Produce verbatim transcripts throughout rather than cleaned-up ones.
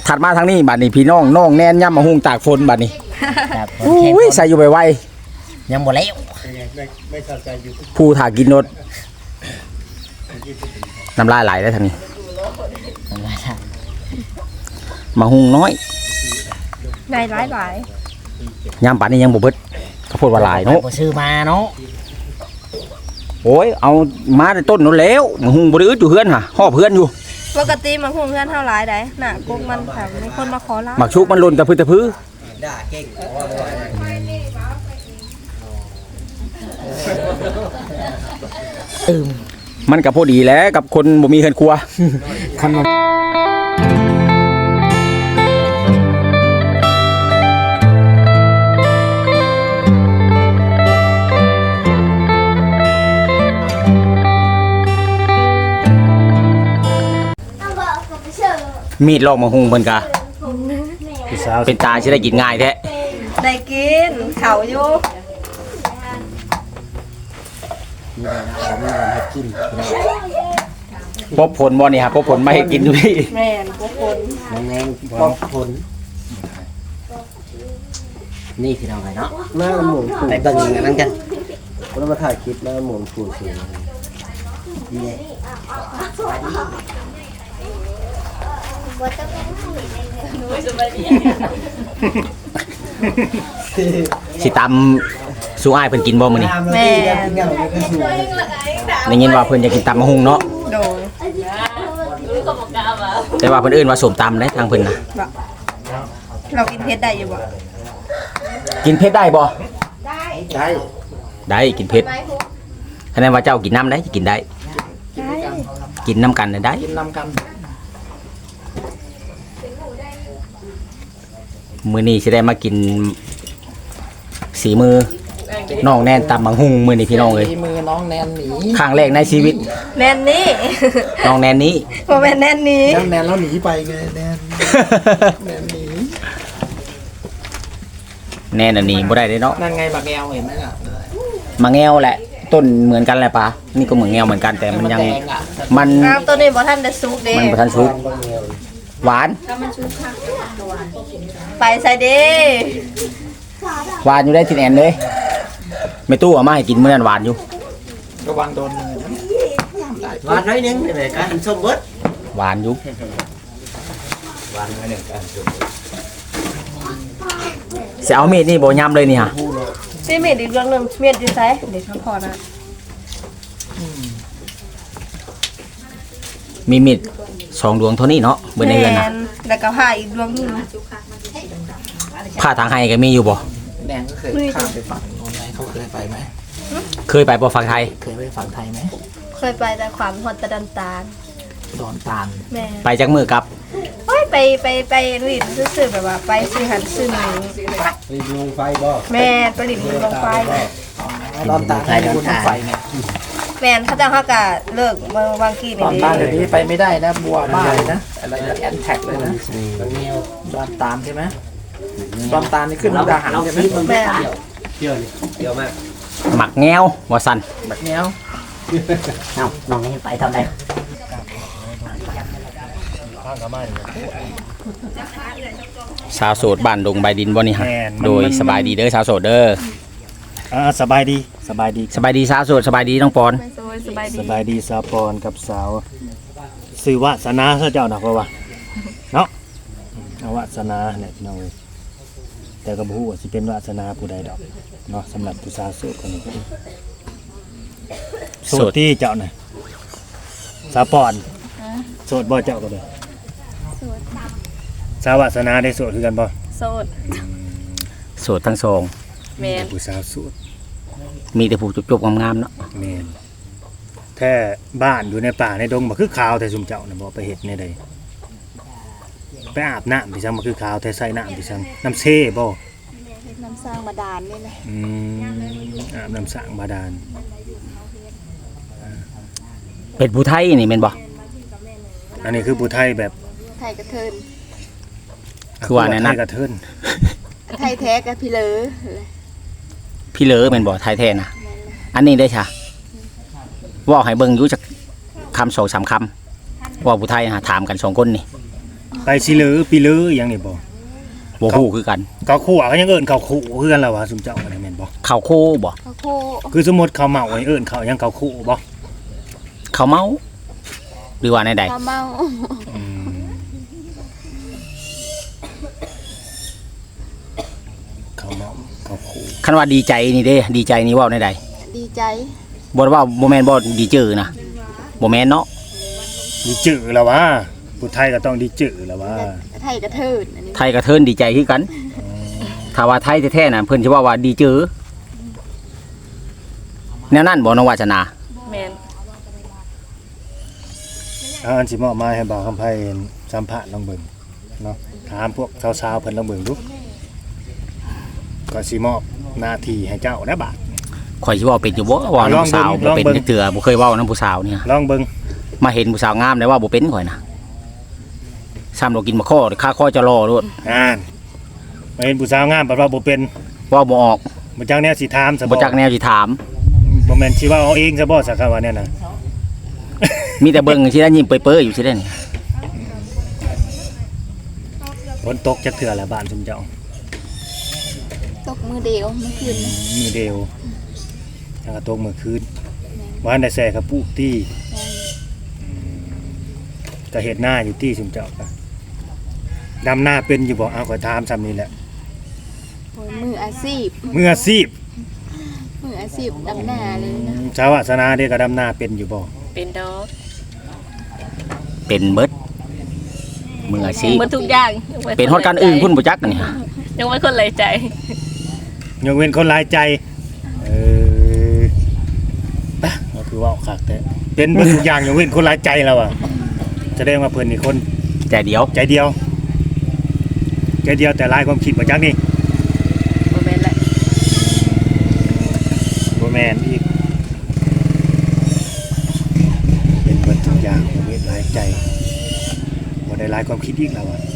ถัดมาทางนี้บัดนี้พี่น้องน้องแน่นย่ำมาหุงตากฝนบัดนี้อุ้ยใส่อยู่ไวๆยังบ่แล้วผู้ถ่ากินรถน้ำลายไหลได้ทางนี้มาหุงน้อยได้หลายหลายย่ำป่านนี้ยังบ่เบิดข้าวโพดว่าหลายเนาะซื้อมาเนาะโอ้ยเอามาในต้นนู้นแล้วมาหุงบ่ได้อึดอยู่เฮือนห่ะห่อเพื่อนอยู่ปกติมันคงเพื่อนเท่าหลายได้น่ะกุ๊กมันค่ะมีคนมาขอร้านหมักชุกมันหล่นตะพื้นตะพื้นด่าเก่งอืมมันก็พอดีแล้วกับคนบ่มีเฮือนครัวคันมีดลอกมาหุงเพิ่นกะเป็นตาสิได้กินง่ายแท้ได้กินเขาอยู่พบผลบ่นี่ครับพบผลมาให้กินอยู่พี่แม่นพบผลแม่งพบผลนี่คือเอาไงเนาะหน้าหมุนผูไปเบิ่งอย่างนั้นกันเรามาถ่ายคลิปหน้าหมุนผูสูงนี่สิตำสู้อ้ายเพิ่นกินบ่มื้อนี้แม่ได้ยินว่าเพิ่นจะกินตำมะฮุงเนาะโดยแต่ว่าเพิ่นเอิ้นว่าส้มตำได้ทางเพิ่นน่ะเรากินเผ็ดได้อยู่บ่กินเผ็ดได้บ่ได้ได้กินเผ็ดคะแนนว่าเจ้ากินน้ำได้กินได้กินน้ำกันได้กินน้ำกันมื้อนี้สิได้มากินสีมือน้องแนนตำบังฮุงมื้อนี้พี่น้องเอ้ยสีมือน้องแนนหนีครั้งแรกในชีวิตแนนนี่น้องแนนนี้บ่แม่นแนนนี้แนนแล้วหนีไปไงแนนแนนหนีแนนอันนี้บ่ได้เด้เนาะนั่นไงบักแงวเห็นไหมล่ะมาแงวแหละต้นเหมือนกันแหละปะนี่ก็เหมือนแงวเหมือนกันแต่มันยังมันตัวนี้บ่ทันได้สุกเด้มันบ่ทันสุกหวานไปใส่เด้หวานอยู่ได้ที่แอนเลยไม่ตู้เอามาให้กินเมื่อนั้นหวานอยู่ระวังโดนมือหวานน้อยนึงเลยกันส้มเบิดหวานอยู่หวานน้อยนึงกันส้มจะเอามีดนี่บ่ยำเลยนี่ฮะพี่เมีดอีกเรื่องนึงเมีดอยู่ไสเดี๋ยวพอนะมีมีดสองดวงเท่านี้เนาะเบิ่ในเรือนน่ะแล้วก็ผ้าอีกดวงนึงผ้าทางให้ก็มีอยู่บ่แดงก็เคยข้ามไปฝั่งโน้นไหมเขาเคยไปไหมเคยไปบ่ฝั่งไทยเคยไปฝั่งไทยไหมเคยไปแต่ความฮอดตะดันตาลดอนตาลแม่ไปจักมือกับโอ้ยไปไปไปลิ้นซื่อๆแบบว่าไปซื้อหันซื้อหมูลิ้นลงไฟบ่แม่ไปลิ้นลงไฟดอนตาลให้คุณไฟเนี่ยแม่นเขาจะเฮากะเลิกเมื่อวางกี้นี่ดอนตาลเดี๋ยวนี้ไปไม่ได้นะบัวบ้าเลยนะอะไรแอนแท็กเลยนะดอนตาลใช่ไหมดอนตาลนี่ขึ้นมุกดาหารใช่ไหมแม่เยอะเยอะมากหมักแงวว่าซั่นหมักแงวเอ้าน้องให้ไปทำไดสาวโสดบ้านดงใบดินบ่นี่ฮะโดยสบายดีเด้อสาวโสดเด้ออ่าสบายดีสบายดีสบายดีสาวโสดสบายดีน้องปอนสบายดีสบายดีสาวปอนกับสาวสื่อวาสนาเจ้านะเพราะว่าเนาะวาสนาเนี่ยพี่น้องแต่ก็บ่ฮู้ว่าสิเป็นวาสนาผู้ใดดอกเนาะสำหรับผู้สาวโสดคนนี้โสดที่เจ้าน่ะสาวปอนโสดบ่เจ้าก็เลยโสดสาววาสนาได้โสดคือกันบ่โสดโสดทั้งสองแม่นผู้สาวโสดมีแต่ผู้จบๆงามๆเนาะแม่นแท้บ้านอยู่ในป่าในดงบ่คือขาวแต่ซุมเจ้าน่ะบ่ไปเฮ็ดในใดไปอาบน้ำพี่ซังบ่คือขาวแต่ใส่น้ำพี่ซังน้ำเซ่บ่น้ำสร้างบาดาลนี่นะอืมอาบน้ำสร้างบาดาลเป็นผู้ไทยนี่แม่นบ่อันนี้คือผู้ไทยแบบไทยกระเทินคือว่าแน่นอนกระเทินไทยแท้กับพี่เลอพี่เลอแม่นบ่ไทยแท้นะอันนี้ได้ค่ะว่าให้เบิ่งอยู่จักคำสองสามคำว่าผู้ไทยหาถามกันสองคนนี่ไปสิลือปีลืออหยังนี่บ่บ่ฮู้คือกันเขาขู่ก็ยังเอิ้นเขาขู่คือกันล่ะว่าซุมเจ้าก็ได้แม่นบ่ข้าวโคบ่เขาโคคือสมมุติเขาเมาให้เอิ้นเขายังเขาขู่บ่ข้าวเมาหรือว่าในใดเขาเมาอืมเขาเมาเขาขู่คันว่าดีใจนี่เด้ดีใจนี่เว้าในใดดีใจบ่ว่าบ่แม่นบ่ดีจื้อนะบ่แม่นเนาะดีจื้อแล้วว่าผู้ไทยก็ต้องดีจื้อแล้วว่าไทยกระเทินอันนี้ไทยกับเทินดีใจคือกันถ้าว่าไทยแท้ๆน่ะเพิ่นสิว่าว่าดีจื้อแนวนั้นบ่น้องวาสนาแม่นเอาอันสิมอบหมายให้บ่าวคำไผสัมภาษณ์ลองเบิ่งเนาะถามพวกสาวๆเพิ่นลองเบิ่งดูก็สิมอบหน้าที่ให้เจ้าได้บาดข่อยสิเว้าเป็นอยู่บ่เว้านํผู้สาวบ่เป็นจักเทื่อบ่เคยเว้านํผู้สาวเนี่ยลองเบิ่งมาเห็นผู้สาวงามได้ว่าบ่เป็นข่อยนะซ้ำเรากินมะข้อค่าข้อจะรอโลดอ่านมาเห็นผู้สาวงามบัดว่าบ่เป็นเว้าบ่ออกบ่จักแนวสิถามซะบ่จักแนวสิถามบ่แม่นสิว่าเอาเองซะบ่สักคำว่าเนี่ยน่ะมีแต่เบิ่งสิได้ยิ้มเปื้อๆอยู่สิได้นี่ฝนตกจักเทื่อละบ้านซุมเจ้าตกมือเดียวเมื่อคืนนี้มือเดียวแล้วก็ตกมื้อคืนบ้านได้แซ่กับปุตี้ก็เฮ็ดหน้าอยู่ที่ซุมเจ้าก็ดำหน้าเป็นอยู่บ่เอาขอถามซ้ำนี่แหละโอ้ยมืออาชีพมืออาชีพมืออาชีพดำหน้าเลยนะชาววาสนาเด้ก็ดำหน้าเป็นอยู่บ่เป็นดอกเป็นเบิดมืออาชีพหมดทุกอย่างเป็นฮอดการอื่นพุ่นบ่จักอันนี่ยังไม่คนเลยใจยกเว้นคนหลายใจเออปะก็คือเว้าคักแต่เป็นเบิดทุกอย่างยกเว้นคนหลายใจแล้วอ่ะแสดงว่าเพิ่นนี่คนใจเดียวใจเดียวใจเดียวแต่หลายความคิดบ่จักนี่โมเมนต์แหละบ่แม่นอีกเป็นเบิดทุกอย่างยกเว้นหลายใจบ่ได้หลายความคิดอีกแล้วอ่ะ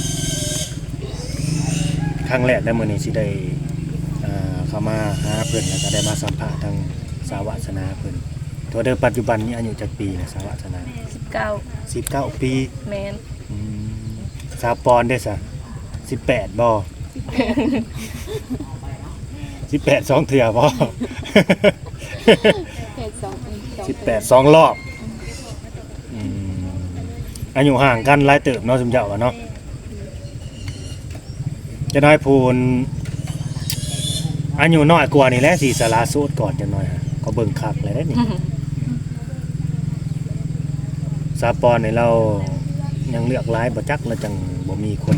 ครั้งแรกได้มื้อนี้สิได้อ่าเข้ามาหาเพิ่นแล้วก็ได้มาสัมภาษณ์ทางสาวาสนาเพิ่นตัวเดิมปัจจุบันนี้อายุจักปีนะสาวาสนาสิบเก้าสิบเก้าปีแมนอืมสาวปอนได้ซะสิบแปดบ่สิบแปดสองเถื่อบ่เพศสองเป็นสองสิบแปดสองรอบอืมอายุห่างกันหลายเติบเนาะสมเจ้าว่าเนาะจะน้อยพูนอายุน้อยกว่านี่แหละสิสาราโสดก่อนจังน้อยฮะก็เบิ่งคักเลยได้นี่ สาวปอนนี่เรายังเลือกหลายบ่จักแล้วจังบ่มีคน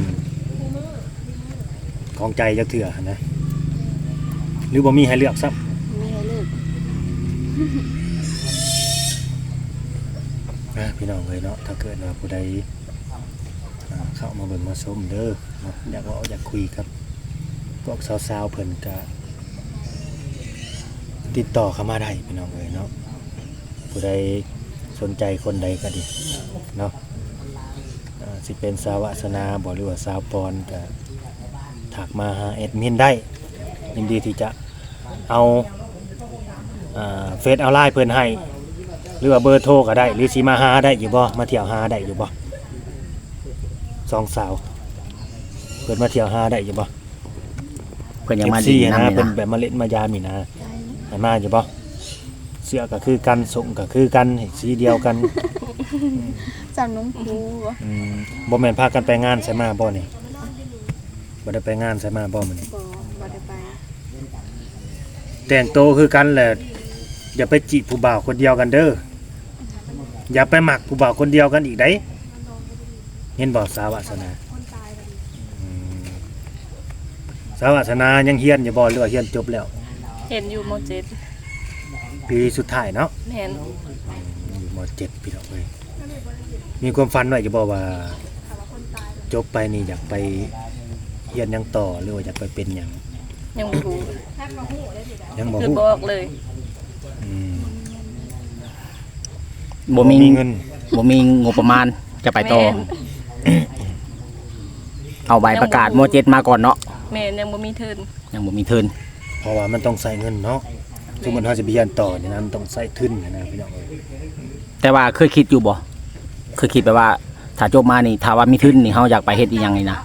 ของใจจักเถื่อนะหรือบ่มีให้เลือกซับมีให้เลิกนะพี่น้องเลยเนาะถ้าเกิดว่าผู้ใดอ่าเข้ามาเบิ่งมาชมเด้อเนาะอยากเว่าอยากคุยกับพวกสาวๆเพิ่นก็ติดต่อเข้ามาได้พี่น้องเลยเนาะผู้ใดสนใจคนใดก็ดีเนาะอ่าสิเป็นสาวาสนาบ่หรือว่าสาวปอนก็ถักมาหาแอดมินได้ยินดีที่จะเอาอ่าเฟซเอาไลน์เพิ่นให้หรือว่าเบอร์โทรก็ได้หรือสิมาหาได้อยู่บ่มาเที่ยวหาได้อยู่บ่สองสาวเพิ่นมาเที่ยวหาได้อยู่บ่เพิ่นยังมาเอฟดีซีนำนะนี่เป็นนะแบบมาเล่นมายามนี่นะให้มาอยู่บ่เสื้อก็คือกันส่งก็คือกันสีเดียวกันจำน้องครูวะอืมบ่แม่นพากันไปงานใส่มาบ่นี่บ่ได้ไปงานใส่มาบ่มื้อนี้บอกว่าได้ไปแต่งโตวคือกันแหละอย่าไปจีบผู้บ่าวคนเดียวกันเด้ออย่าไปหมักผู้บ่าวคนเดียวกันอีกได้เห็นบ่สาวาสนาอืมสาวาสนายังเฮียนอยู่บ่หรือว่าเฮียนจบแล้วเห็นอยู่โมเจ็ดปีสุดท้ายเนาะแมนอยู่มเจ็ดพี่น้องเอ้ยมีความฝันไว้จะบอกว่าจบไปนี่อยากไปเรียนหยังต่อหรือว่าอยากไปเป็นหยังยังบ่รู้ยังบ่คือฮู้บอกเลยอืมบ่มีเงินบ่มีงบประมาณจะไปต่อแม่นเอาใบประกาศโมเจ็ดมาก่อนเนาะแมนยังบ่มีเทินยังบ่มีทุนเพราะว่ามันต้องใส่เงินเนาะสมมุติเฮาสิไปเรียนต่อนี่นะมันต้องใส่ทุนนะพี่น้องเอ้ยแต่ว่าเคยคิดอยู่บ่เคยคิดแบบว่าถ้าจบมานี่ถ้าว่ามีทุนนี่เฮาอยากไปเฮ็ดอีหยังนี่นะ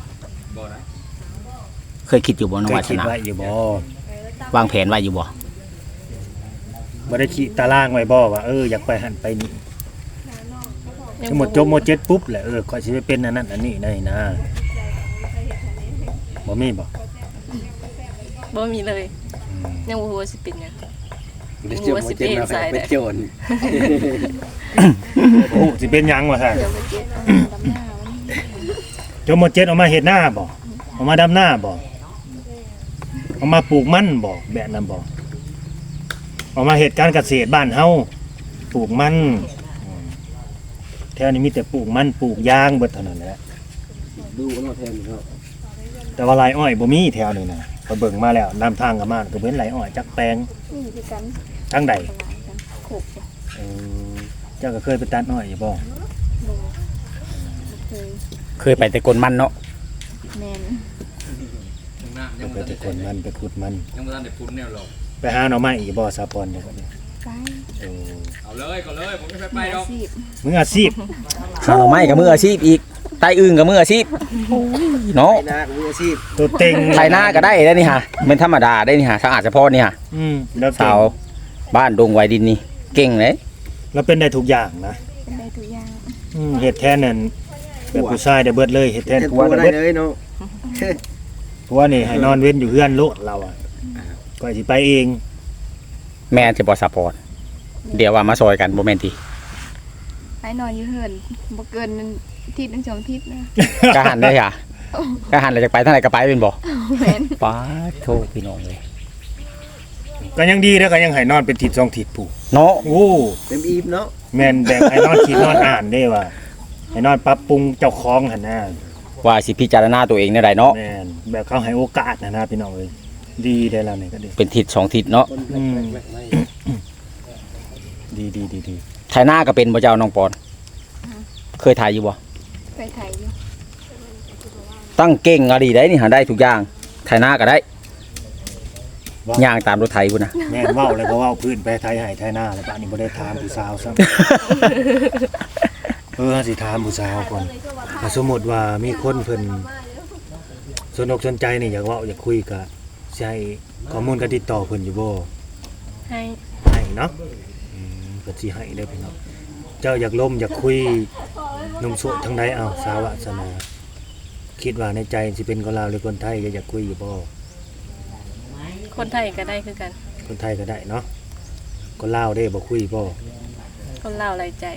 เคยคิดอยู่บ่น้องเควัยคิดฒนาไว้อยู่บ่วางแผนไว้อยู่บ่บ่ได้คิดตารางไว้บ่ว่าเอออยากไปหั่นไปนี่ยังทั้งหมดจบมเจ็ดปุ๊บแหละเออข่อยสิไปเป็นอันนั้นอันนี้ได้นะบ่มีบ่บ่มีเลย ยังบ่ฮู้ว่าสิเป็นหยังเดี๋ยวจะมาเจ็บมาเป็นโจรโอ้สิเป็นหยังวะฮะเดี๋ยวไปเจ็ดเอาดำหน้ามันจบมเจ็ดออกมาเฮ็ดหน้าบ่ออกมาดำหน้าบ่ออกมาปลูกมันบ่แบบนั้นบ่ออกมาเฮ็ดการเกษตรบ้านเฮาปลูกมันอืมแถวนี้มีแต่ปลูกมันปลูกยางเบิดเท่านั้นแหละดูกันมาแทนครับแต่ว่าไรอ้อยบ่มีแถวนี้นะไปเบิ่งมาแล้วนำทางกันมาก็เว้นไรอ้อยจักแปลงนี่คือกันทางใดตลาดกันโขกบ่เออเจ้าก็เคยไปตัดอ้อยอยู่บ่เคยเคยไปแต่กลมันเนาะแมนไปแต่คนมันไปขุดมันยังไม่ทันได้พูดแนวหรอกไปหาหน่อไม้อีกบ่ซาปอนเดี๋ยวก่อนนี้ไปเออเอาเลยก็เลยผมไม่ไปไปมือหรออาก ชีพมึงอาชีพหาหน่อไม้กับมืออาชีพอีกไต้อึ่งกับมืออาชีพเนาะไอ้นามืออาชีพตัวเต็งไทยหน้าก็ได้ได้นี่ฮะเป็นธรรมดาได้นี่ฮะสะอาดเฉพาะนี่ฮะอืมแล้วเก่สาง วบ้านดงไวดินนี่เก่งเลยแล้วเป็นได้ทุกอย่างนะเป็นได้ทุกอย่างอืมเฮ็ดแทนนั่นแบบผู้ชายได้เบิดเลยเฮ็ดแทนเห็นผัวตัวได้ได้เบิดเลยเนาะผัวนี่ให้นอนเว้นอยู่เฮือนโลดเราอ่ะก็สิไปเองแม่จะบอสปอร์ตเดี๋ยวว่ามาซอยกันโมเมนทีไปนอนอยู่เหินบ่เกินทิศหนึงสองทิศนะกะหันได้ค่ะกะหันเราจะไปทางไหนก็ไปเป็นบ่แมนป้าโทษพี่น้องเลยก็ยังดีแล้วก็ยังให้นอนเป็นทิศสองทิศผู้เนาะโอ้เต็มอีฟเนาะแม่นแบบให้นอนคิดนอนอ่านได้ว่าให้นอนปรับปรุงเจ้าของหั่นนะว่าสิพิจารณาตัวเองในใดเนาะแม่นแบบเขาให้โอกาสนะนะพี่น้องเอ้ยดีได้แล้วนี่ก็ดีเป็นทิศสองทิศเนาะคนอืมแรกๆไม่ดีดีดีดีไทยหน้าก็เป็นบ่เจ้าน้องปอนเคยถ่ายอยู่บ่ไปไทยอยู่ตั้งเก่งอะดีได้นี่หาได้ทุกอย่างไทยหน้าก็ได้ย่างตามรถไถพุ่นนะแม่นเว้าเลยเพราะว่าพื้นไปไทยให้ไทยหน้าแล้วป่านนี้บ่ได้ถามผู้สาวซ้ำ เออสิถามผู้สาวก่อนถ้าสมมุติว่ามีคนเพิ่นสนอกสนใจนี่อยากเว้าอยากคุยก็สิให้ข้อมูลการติดต่อเพิ่นอยู่บ่ให้ให้เนาะอืมก็สิให้เด้อพี่น้องเจ้าอยากล้มอยากคุยหนุ่มโสดทางใดเอาสาวาสนา คิดว่าในใจสิเป็นคนลาวหรือคนไทยอยากคุยอยู่บ่คนไทยก็ได้คือกันคนไทยก็ได้เนาะคนลาวได้บ่คุยบ่คนลาวหลายใจ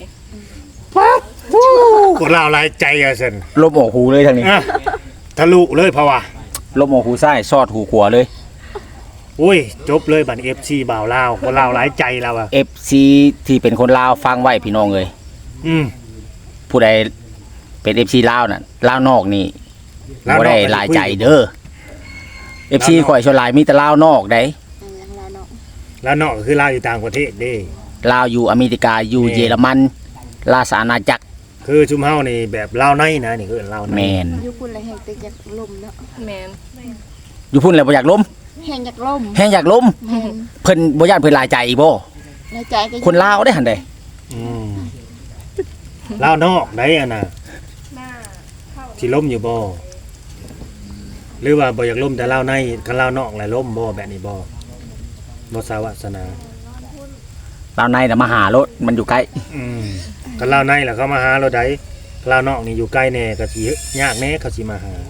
คนลาวหลายใจอ่ะซั่นลบออกหูเลยทางนี้อ่ะทะลุเลยเพราะว่าลบออกหูซ้ายซอดหูขวาเลยอุ้ยจบเลยบัดนี้ เอฟ ซี บ่าวลาวคนลาวหลายใจแล้วอ่ะเอฟ ซี ที่เป็นคนลาวฟังไว้พี่น้องเลยอืมผู้ใดเป็น เอฟ ซี ลาวน่ะลาวนอกนี่ลาวนอกบ่ได้หลายใจเด้อ เอฟ ซี ข่อยชวนหลายมีแต่ลาวนอกได้อันนั้นลาเนาะแล้วนอกก็คือลาวอยู่ต่างประเทศเด้ลาวอยู่อเมริกาอยู่แม่เยอรมันราชอาณาจักรคือชุมเฮานี่แบบลาวในนะนี่คือลาวในแมนอยู่พุ่นแล้วแห่งตึกอยากล่มเนาะแมนอยู่พุ่นแล้วบ่อยากล้มแห่งอยากล่มแฮงอยากล้มแม่นเพิ่นบ่ย่านเพิ่นหลายใจอีบ่ในใจก็คนลาวได้หั่นเด้อืมลาวนอกได้อ่ะน่ะสิล้มอยู่บ่หรือว่าบ่อยากล้มแต่ลาวในคันลาวนอกแหละล้มบ่แบบนี้บ่บ่สาวาสนาลาวในน่ะมาหารถมันอยู่ใกล้อืมคันลาวในล่ะเขามาหาเราได้ลาวนอกนี่อยู่ใกล้แน่ก็สิยากแน่เขาสิมาหา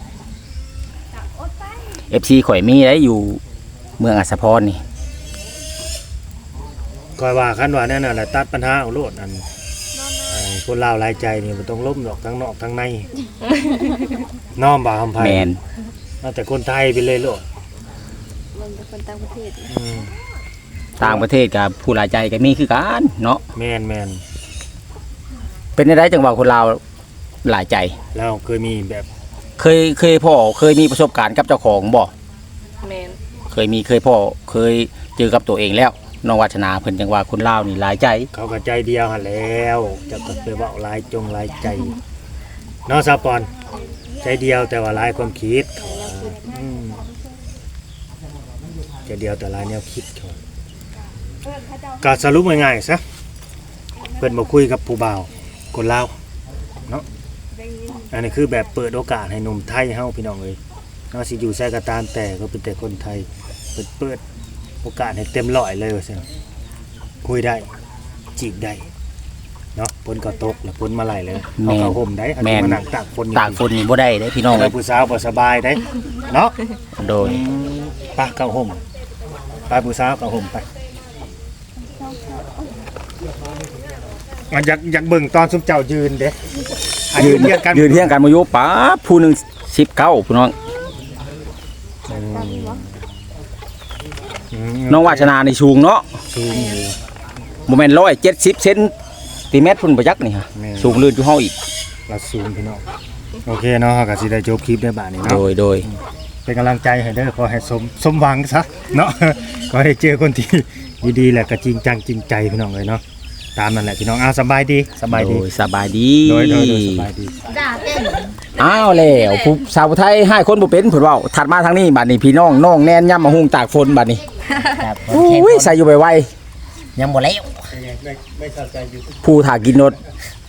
เอฟ ซี ข่อยมีได้อยู่เมืองอัสสพรนี่คอยว่าคันว่าแน่น่ะแหละตัดปัญหาเอาโลดอันไอ้คนลาวหลายใจนี่บ่ต้องล้มดอกทั้งนอกทั้งใน น้อมบ่าคำไผแมนเอาแต่คนไทยไปเลยโลดมันเป็นคนต่างประเทศอืมต่างประเทศกับผู้หลายใจก็มีคือกันเนาะแม่นแม่นเป็นได้จังหวะคนลาวหลายใจแล้วเคยมีแบบเคยเคยพ่อเคยมีประสบการณ์กับเจ้าของบ่แมนเคยมีเคยพ่อเคยเจอกับตัวเองแล้วน้องวัฒนาเพิ่นจังว่าคนลาวนี่หลายใจเขาก็ใจเดียวหั่นแล้วจะก็ไปเว้าหลายจงหลายใจเนาะซาปอนใจเดียวแต่ว่าหลายความคิดเขาว่าอืมใจเดียวแต่หลายแนวคิดเขาก็สรุปง่ายๆซะเพิ่นบ่คุยกับผู้บ่าวคนลาวเนาะอันนี้คือแบบเปิดโอกาสให้หนุ่มไทยเฮาพี่น้องเอ้ยเนาะสิอยู่ใส่กระตามแต่ก็เป็นแต่คนไทยเปิดเปิดโอกาสให้เต็มร้อยเลยว่าซั่นคุยได้จีบได้เนาะฝนก็ตกแล้วฝนมาไหลเลยเอาเข้าห่มได้อันนี้มานั่งตากฝนอยู่ตากฝนนี่บ่ได้เด้พี่น้องแต่เอ้ยผู้สาวบ่สบายได้เนาะโดยไปเข้าห่มไปผู้สาวเข้าห่มไปมันอยากอยากเบิ่งตอนซุมเจ้ายืนเด้อ่ะยืนเทียงกันยืนเที่ยงกันมาอยู่ป๊าบผู้หนึงสิบเก้าพี่น้องอืมน้องวาสนานี่สูงเนาะสูงอยู่บ่แม่นหนึ่งร้อยเจ็ดสิบเซนติเมตรพุ่นบ่จักนี่ฮะแม่นสูงลื่นอยู่เฮาอีกเราสูงพี่น้องโอเคเนาะเราก็สิได้จบคลิปได้บาดนี้โดเนาะยโดยเป็นกำลังใจให้เด้อขอให้สมสมหวังซะเนาะ ขอให้เจอคนที่ดีๆแหละก็จริงจังจริงใจพี่น้องเลยเนาะตามนั่นแหละพี่น้องอ้าวสบายดีสบายดีโดยสบายดีโดยโดยโดยสบายดีอ้าวแล้วผู้สาวไทยให้คนบ่เป็นเพิ่นเว้าถัดมาทางนี้บัดนี้พี่น้องน้องแน่นย่ำมาหุงตากฝนบัดนี้ครับอุ้ยใส่อยู่ไวยังบ่แล้วๆผู้ถ่ากินรถ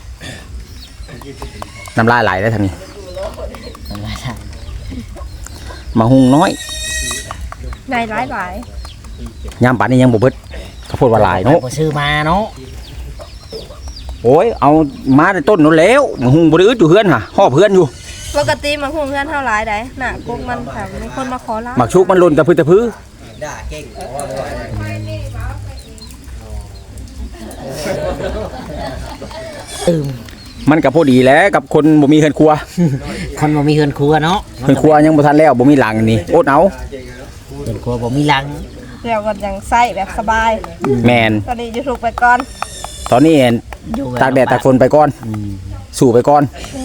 น้ำลายไหลได้ทางนี้มาหุงน้อยในหลายหลายยามป่านนี้ยังบ่เบิดข้าวโพดว่าหลายเนาะบ่ซื้อมาเนาะโอ้ยเอามาแต่ต้นนู้นแล้วมาหุงบ่ได้อึดอยู่เฮือนห่ะฮอบเฮือนอยู่ปกติมันคงเพื่อนเท่าหลายได้น่ะกุ๊กมันแต่มีคนมาขอร้านหมักชุกมันหล่นตะพื้นตะพื้ด่าเก่งมันก็พอดีแหล้วกับคนบ่มีเฮือนครัวคนบ่มีเฮือนครัวเนาะเฮือนครัวยังบ่ทันแล้วบ่มีหลังนี่อดเอาเฮือนครัวบ่มีหลังเดี๋ยวก็ยังใส่แบบสบายแมนตอนนี้จะถูกไปก่อนตอนนี้เห็นอยู่บบตากแดดตากฝนไปก่อนสู่ไปก่อน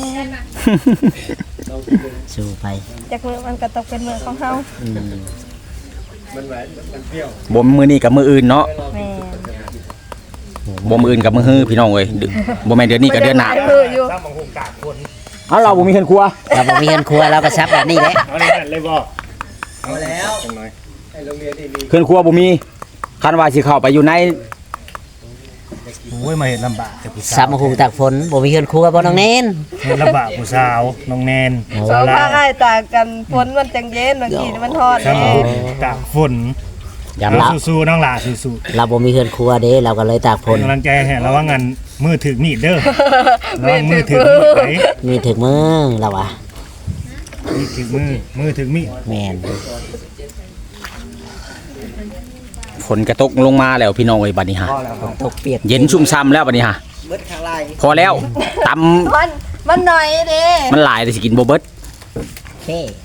สู้ไปจากมือมันก็ตกเป็นมือของเฮาอืมบ่มือนี้กับมืออื่นเนาะแม่บ่มืออื่นกับมือฮื้อพี่น้องเอ้ยดึบ่แม่นเดือนนี้กับเดือนหน้ามืออยู่ถ้ามังหุงกากคนเอาเราบ่มีเฮือนครัวเราบ่มีเฮือนครัวเราก็ซับแบบนี้แหละเอาเลยนั่นเลยบ่เอาแล้วจังหน่อยเฮือนครัวบ่มีคันว่าสิเข้าไปอยู่ในโอ้ยมาเห็นลำบากแต่ผู้ซัสาบวมาหุงตากฝนบ่มีเฮือนครัวบ่น้องเน้นเห็นลำบากผู้สาวน้องแนนโอ้สสาองวลาภาคอ้ายต่างกันฝนมันจังเย็นบางทีมันทอดถ้ามังแน่หุงกากฝนยามเอาละสู้ๆน้องหล่าสู้เราบ่มีเฮือนครัวเด้เราก็เลยตากฝๆเป็นนกำลังใจให้ระวังงันมือถึงมีดเด้อระวังมือถึงมีดไปมีถึงมือเราอ่ะมีถึงมือมือถึงมีดแม่นฝนกระตกลงมาแล้วพี่น้องเอ้ยบัดนี้ฮะตกเปียกเย็นชุ่มช่ำแล้วบัดนี้ฮะเบิดข้างล่างพอแล้วตำมันมันหน่อยเด้มันหลายแต่สิกินบ่เบิดโอเค